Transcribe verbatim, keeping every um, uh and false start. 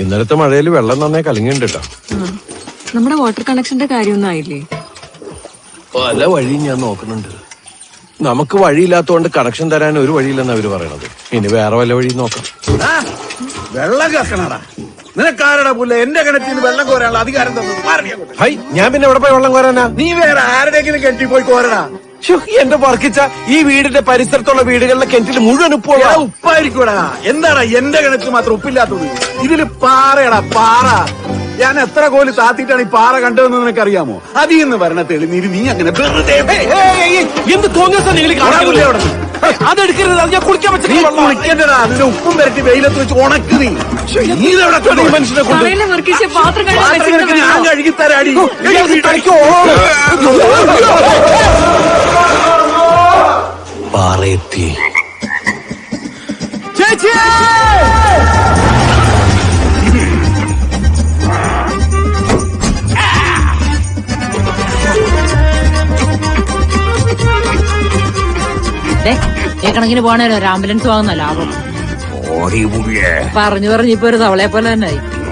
ഇന്നലത്തെ മഴയിൽ വെള്ളം നന്നായി കലങ്ങിണ്ട് കേട്ടോ. നമ്മുടെ വാട്ടർ കണക്ഷന്റെ കാര്യമൊന്നും ആയില്ലേ? പല വഴി ഞാൻ നോക്കുന്നുണ്ട്. നമുക്ക് വഴിയില്ലാത്തോണ്ട് കണക്ഷൻ തരാൻ ഒരു വഴിയില്ലെന്ന് അവര് പറയണത്. ഇനി വേറെ വല്ല വഴി നോക്കാം. വെള്ളം കക്കണടാ നിനക്കാരടാ പുല്ല എന്റെ കിണറ്റിന് വെള്ളം കോരാനുള്ള അധികാരം തന്നു. ഹൈ, ഞാൻ പിന്നെ എവിടെ പോയി വെള്ളം കോരാനാ? നീ വേറെ ആരുടെയെങ്കിലും കിണറ്റിൽ പോയി കോരടാ. എന്റെ വർക്കിച്ച ഈ വീടിന്റെ പരിസരത്തുള്ള വീടുകളിലെ കിണറ്റിൽ മുഴുവൻ ഉപ്പുള്ള ഉപ്പായിരിക്കൂടാ. എന്താടാ എന്റെ കിണറ്റിൽ മാത്രം ഉപ്പില്ലാത്തത്? ഇതില് പാറയടാ പാറ. ഞാൻ എത്ര കോല് താത്തിട്ടാണ് ഈ പാറ കണ്ടതെന്ന് നിനക്കറിയാമോ? അതിൽ നിന്ന് വരണ തെളിനീര് നീ അങ്ങനെ വെറുതെ എന്ത് തോന്നിയ നിങ്ങൾ കാണാനില്ലേ അവിടെ? അതെടുക്കരുത്, അത് ഞാൻ കുളിക്കാൻ കുളിക്കണ്ടടാ. അതിന്റെ ഉപ്പും വരട്ടി വെയിലത്ത് വെച്ച് ഉണക്ക് നീ. നീ ഇതെവിടെ മനുഷ്യനെ കൊണ്ട് പറയല്ലേ വർഗീച്ച, പാത്രം കഴുകാൻ പാത്രം വെച്ചിരുന്ന കഴുകി ഞാൻ കഴുകി തരാടി. പാറയെത്തി. ഏ കണക്കിന് പോണേലോ ഒരു ആംബുലൻസ് വാങ്ങുന്ന ലാഭം. പറഞ്ഞു പറഞ്ഞു ഇപ്പൊ ഒരു തവളയെ പോലെ തന്നെ ആയി.